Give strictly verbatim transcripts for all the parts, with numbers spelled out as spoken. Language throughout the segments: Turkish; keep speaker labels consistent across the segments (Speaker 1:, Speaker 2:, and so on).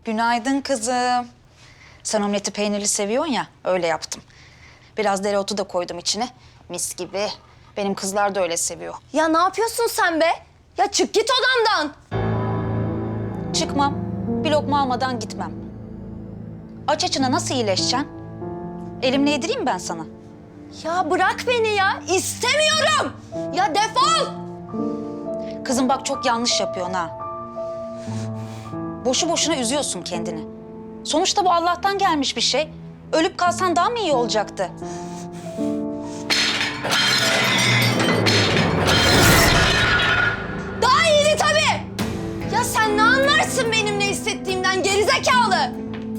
Speaker 1: Günaydın kızım. Sen omleti peynirli seviyorsun ya, öyle yaptım. Biraz dereotu da koydum içine. Mis gibi. Benim kızlar da öyle seviyor.
Speaker 2: Ya ne yapıyorsun sen be? Ya çık git odamdan.
Speaker 1: Çıkmam. Bir lokma almadan gitmem. Aç açına nasıl iyileşeceksin? Elimle yedireyim ben sana.
Speaker 2: Ya bırak beni ya. İstemiyorum. Ya defol.
Speaker 1: Kızım bak çok yanlış yapıyorsun ha. Boşu boşuna üzüyorsun kendini. Sonuçta bu Allah'tan gelmiş bir şey. Ölüp kalsan daha mı iyi olacaktı?
Speaker 2: Daha iyiydi tabii. Ya sen ne anlarsın benim ne hissettiğimden gerizekalı?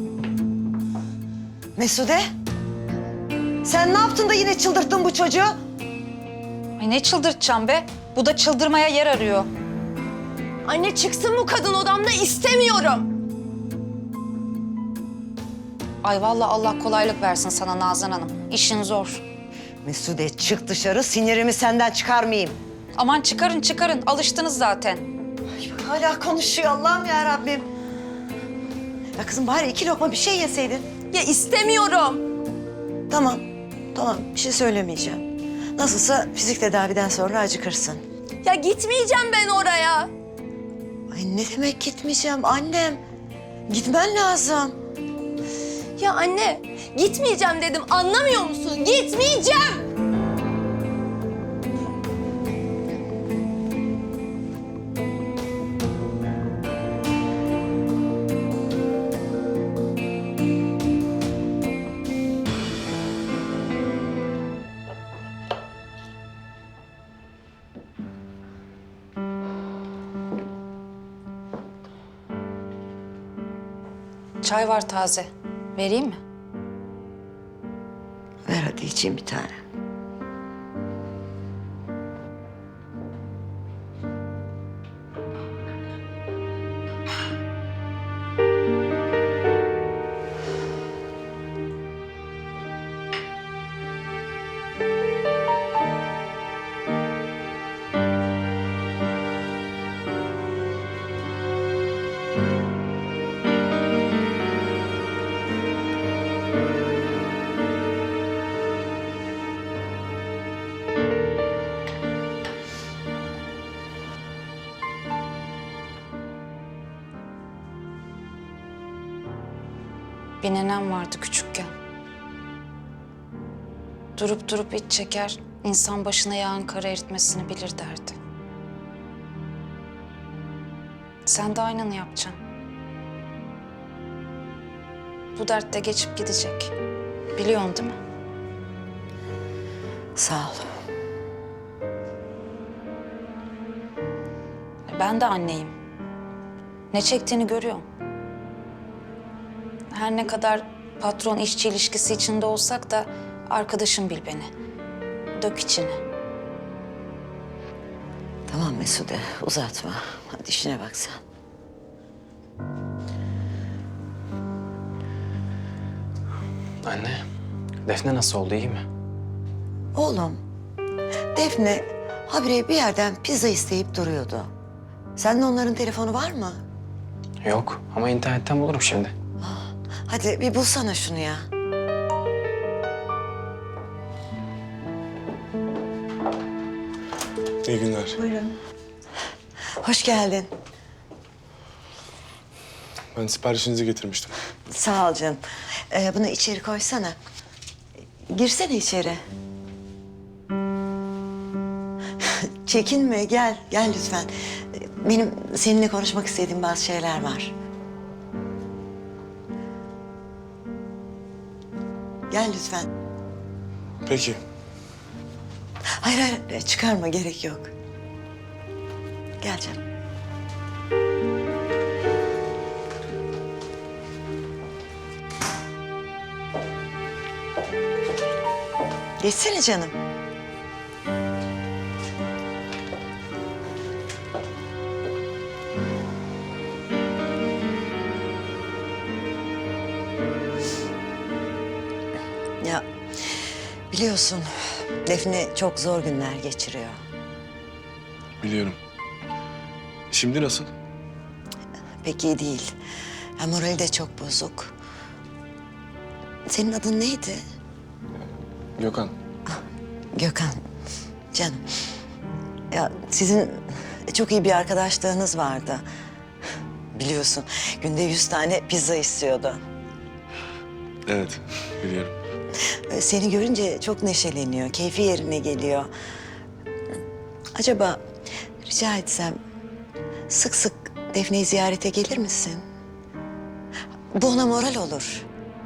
Speaker 3: Mesude, sen ne yaptın da yine çıldırttın bu çocuğu?
Speaker 1: Ay ne çıldırtacağım be? Bu da çıldırmaya yer arıyor.
Speaker 2: Anne çıksın bu kadın odamda istemiyorum.
Speaker 1: Ay vallahi Allah kolaylık versin sana Nazan Hanım. İşin zor.
Speaker 3: Mesude çık dışarı, sinirimi senden çıkarmayayım.
Speaker 1: Aman çıkarın çıkarın. Alıştınız zaten.
Speaker 3: Ay, hala konuşuyor Allah'ım ya Rabbim. Ya kızım bari iki lokma bir şey yeseydin.
Speaker 2: Ya istemiyorum.
Speaker 3: Tamam, tamam bir şey söylemeyeceğim. Nasılsa fizik tedaviden sonra acıkırsın.
Speaker 2: Ya gitmeyeceğim ben oraya.
Speaker 3: Ay ne demek gitmeyeceğim annem? Gitmen lazım.
Speaker 2: Ya anne gitmeyeceğim dedim anlamıyor musun? Gitmeyeceğim.
Speaker 1: Çay var taze. Vereyim mi?
Speaker 3: Ver hadi içeyim bir tane.
Speaker 1: Bir nenem vardı küçükken. Durup durup iç çeker, insan başına yağan kara eritmesini bilir derdi. Sen de aynını yapacaksın. Bu dert de geçip gidecek. Biliyorsun değil mi?
Speaker 3: Sağ ol.
Speaker 1: Ben de anneyim. Ne çektiğini görüyorum. Her ne kadar patron işçi ilişkisi içinde olsak da arkadaşım bil beni. Dök içini.
Speaker 3: Tamam Mesude uzatma. Hadi işine bak sen.
Speaker 4: Anne, Defne nasıl oldu, iyi mi?
Speaker 3: Oğlum, Defne habire bir yerden pizza isteyip duruyordu. Sende onların telefonu var mı?
Speaker 4: Yok ama internetten bulurum şimdi.
Speaker 3: Hadi bir bulsana şunu ya.
Speaker 5: İyi günler.
Speaker 3: Buyurun. Hoş geldin.
Speaker 5: Ben siparişinizi getirmiştim.
Speaker 3: Sağ ol canım. Ee, bunu içeri koysana. Girsene içeri. Çekinme, gel. Gel lütfen. Benim seninle konuşmak istediğim bazı şeyler var. Gel lütfen.
Speaker 5: Peki.
Speaker 3: Hayır hayır, çıkarma, gerek yok. Gel canım. Geçsene canım. Ya biliyorsun Defne çok zor günler geçiriyor.
Speaker 5: Biliyorum. Şimdi nasıl?
Speaker 3: Pek iyi değil. Ya morali de çok bozuk. Senin adın neydi?
Speaker 5: Gökhan.
Speaker 3: Gökhan. Canım. Ya sizin çok iyi bir arkadaşlığınız vardı. Biliyorsun günde yüz tane pizza istiyordu.
Speaker 5: Evet, biliyorum.
Speaker 3: Ee, Seni görünce çok neşeleniyor, keyfi yerine geliyor. Acaba rica etsem sık sık Defne'yi ziyarete gelir misin? Bu ona moral olur.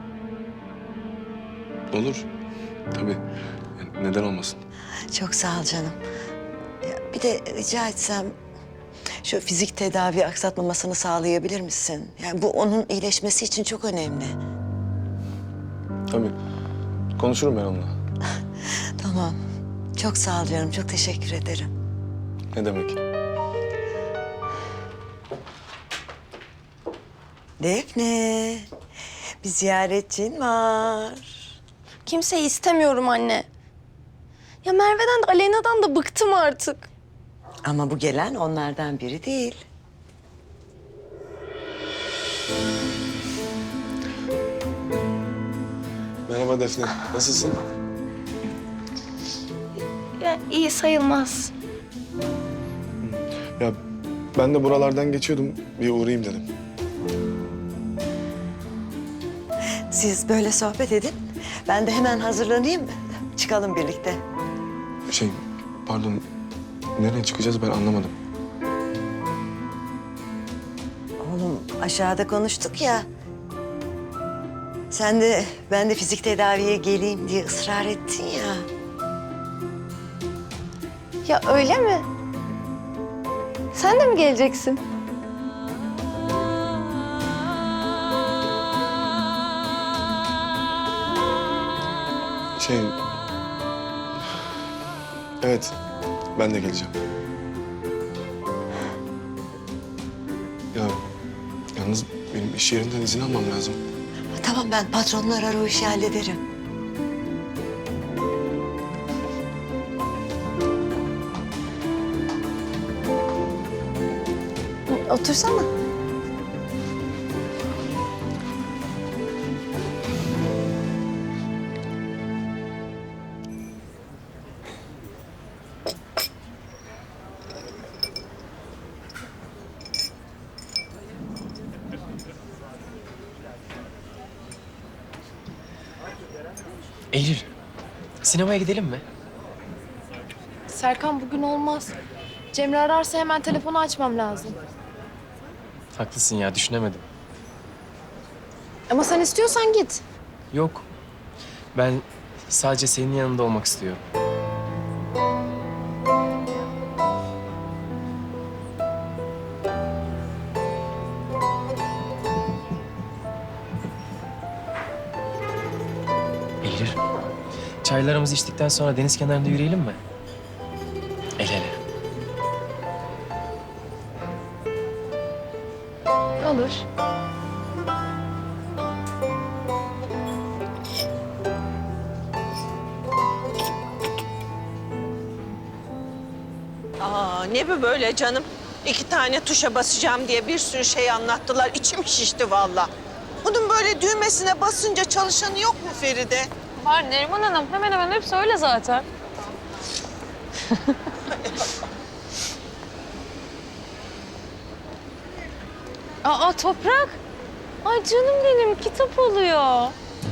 Speaker 5: Olur. Tabii. Yani neden olmasın?
Speaker 3: Çok sağ ol canım. Ya bir de rica etsem şu fizik tedavi aksatmamasını sağlayabilir misin? Yani bu onun iyileşmesi için çok önemli.
Speaker 5: Tabii. Konuşurum ben onunla.
Speaker 3: Tamam. Çok sağ ol canım. Çok teşekkür ederim.
Speaker 5: Ne demek?
Speaker 3: Defne, bir ziyaretçin var.
Speaker 2: Kimseyi istemiyorum anne. Ya Merve'den de Aleyna'dan da bıktım artık.
Speaker 3: Ama bu gelen onlardan biri değil.
Speaker 5: Merhaba Defne. Nasılsın?
Speaker 2: Ya iyi sayılmaz.
Speaker 5: Ya ben de buralardan geçiyordum. Bir uğrayayım dedim.
Speaker 3: Siz böyle sohbet edin. Ben de hemen hazırlanayım. Çıkalım birlikte.
Speaker 5: Şey, pardon. Nereye çıkacağız ben anlamadım.
Speaker 3: Oğlum aşağıda konuştuk ya. Sen de ben de fizik tedaviye geleyim diye ısrar ettin ya.
Speaker 2: Ya öyle mi? Sen de mi geleceksin?
Speaker 5: Şey... Evet, ben de geleceğim. Ya, yalnız benim iş yerinden izin almam lazım.
Speaker 3: Tamam ben patronunu arar o işi hallederim.
Speaker 2: Otursana.
Speaker 4: Eylül, sinemaya gidelim mi?
Speaker 6: Serkan bugün olmaz. Cemre ararsa hemen telefonu açmam lazım.
Speaker 4: Haklısın ya, düşünemedim.
Speaker 6: Ama sen istiyorsan git.
Speaker 4: Yok, ben sadece senin yanında olmak istiyorum. Eylül, çaylarımızı içtikten sonra deniz kenarında yürüyelim mi? El ele.
Speaker 6: Olur.
Speaker 7: Aa, ne bu böyle canım? İki tane tuşa basacağım diye bir sürü şey anlattılar. İçim şişti vallahi. Bunun böyle düğmesine basınca çalışanı yok mu Feride?
Speaker 6: Var Neriman Hanım. Hemen hemen hepsi öyle zaten. Aa Toprak. Ay canım benim kitap oluyor.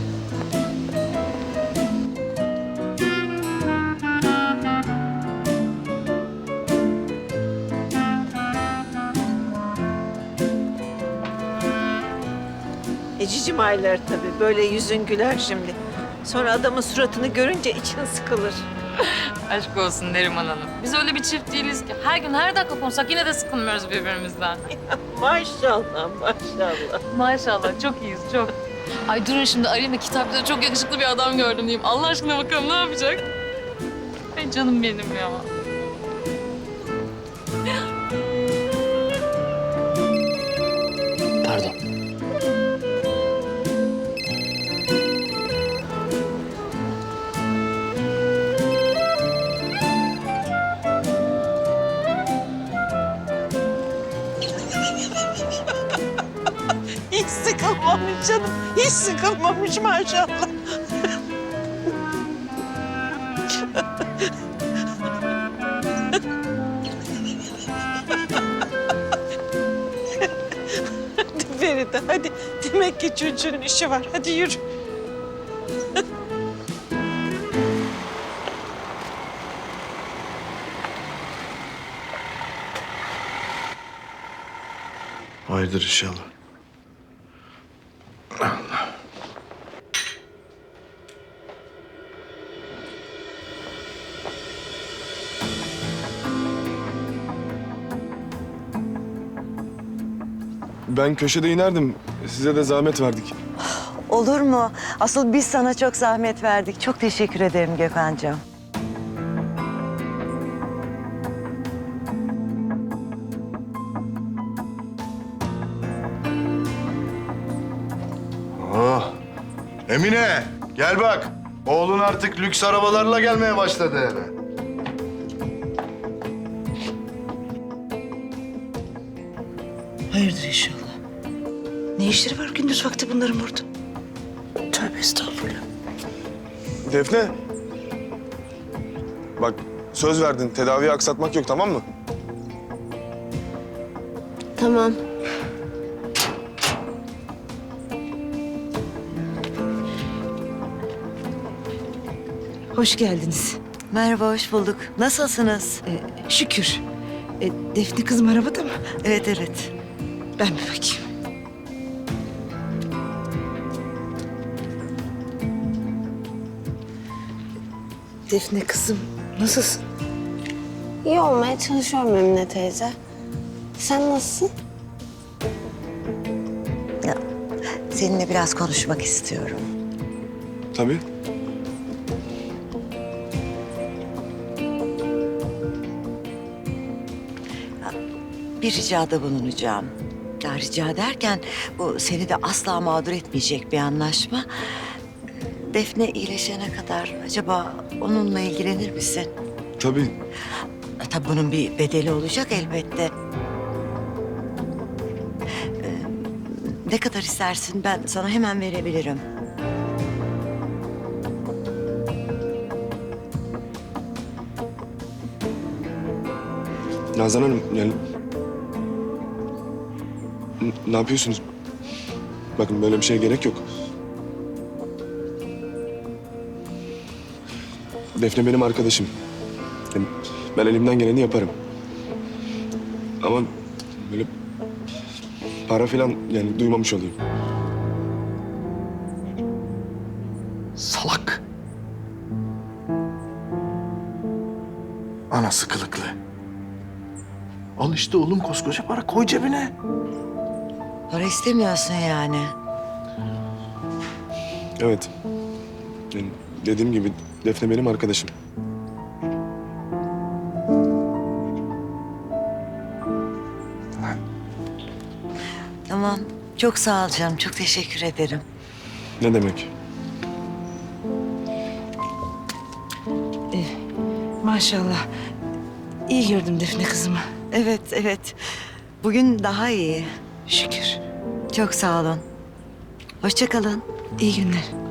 Speaker 7: E cicim ayları tabii. Böyle yüzün güler şimdi. Sonra adamın suratını görünce için sıkılır.
Speaker 8: Aşk olsun Neriman Hanım. Biz öyle bir çift değiliz ki. Her gün her dakika konuşsak yine de sıkılmıyoruz birbirimizden.
Speaker 7: Maşallah, maşallah.
Speaker 8: Maşallah çok iyiyiz çok. Ay durun şimdi arayayım da kitapta çok yakışıklı bir adam gördüm diyeyim. Allah aşkına bakalım ne yapacak? Ay canım benim ya.
Speaker 4: Pardon.
Speaker 7: sıkılmamış canım. Hiç sıkılmamış maşallah. Hadi Feride hadi. Demek ki çocuğun işi var. Hadi yürü.
Speaker 5: Hayırdır inşallah. Ben köşede inerdim. Size de zahmet verdik.
Speaker 3: Olur mu? Asıl biz sana çok zahmet verdik. Çok teşekkür ederim Gökhan'cığım.
Speaker 9: Oh. Emine gel bak. Oğlun artık lüks arabalarla gelmeye başladı eve.
Speaker 3: Hayırdır inşallah. Ne işleri var gündüz vakti bunların burada? Tövbe estağfurullah.
Speaker 5: Defne. Bak söz verdin. Tedaviyi aksatmak yok, tamam mı?
Speaker 2: Tamam.
Speaker 10: Hoş geldiniz.
Speaker 3: Merhaba, hoş bulduk. Nasılsınız?
Speaker 10: Ee, şükür. Ee, Defne kızım arabada mı?
Speaker 3: Evet, evet.
Speaker 10: Ben bir bakayım. Defne kızım nasılsın?
Speaker 2: İyi olmaya çalışıyorum Emine teyze. Sen nasılsın?
Speaker 3: Ya, seninle biraz konuşmak istiyorum.
Speaker 5: Tabii.
Speaker 3: Bir ricada bulunacağım. Ya rica derken bu seni de asla mağdur etmeyecek bir anlaşma. Defne iyileşene kadar acaba onunla ilgilenir misin?
Speaker 5: Tabii.
Speaker 3: E, Tabii bunun bir bedeli olacak elbette. Ee, ne kadar istersin ben sana hemen verebilirim.
Speaker 5: Nazan Hanım yani... N- Ne yapıyorsunuz? Bakın böyle bir şeye gerek yok. Defne benim arkadaşım. Yani ben elimden geleni yaparım. Ama böyle para falan yani duymamış olayım.
Speaker 9: Salak. Anası kılıklı. Al işte oğlum koskoca para koy cebine.
Speaker 3: Para istemiyorsun yani.
Speaker 5: Evet. Yani dediğim gibi Defne benim arkadaşım.
Speaker 3: Tamam. Çok sağ ol canım. Çok teşekkür ederim.
Speaker 5: Ne demek?
Speaker 10: Maşallah. İyi gördüm Defne kızımı.
Speaker 3: Evet, evet. Bugün daha iyi.
Speaker 10: Şükür.
Speaker 3: Çok sağ olun. Hoşça kalın.
Speaker 10: İyi günler.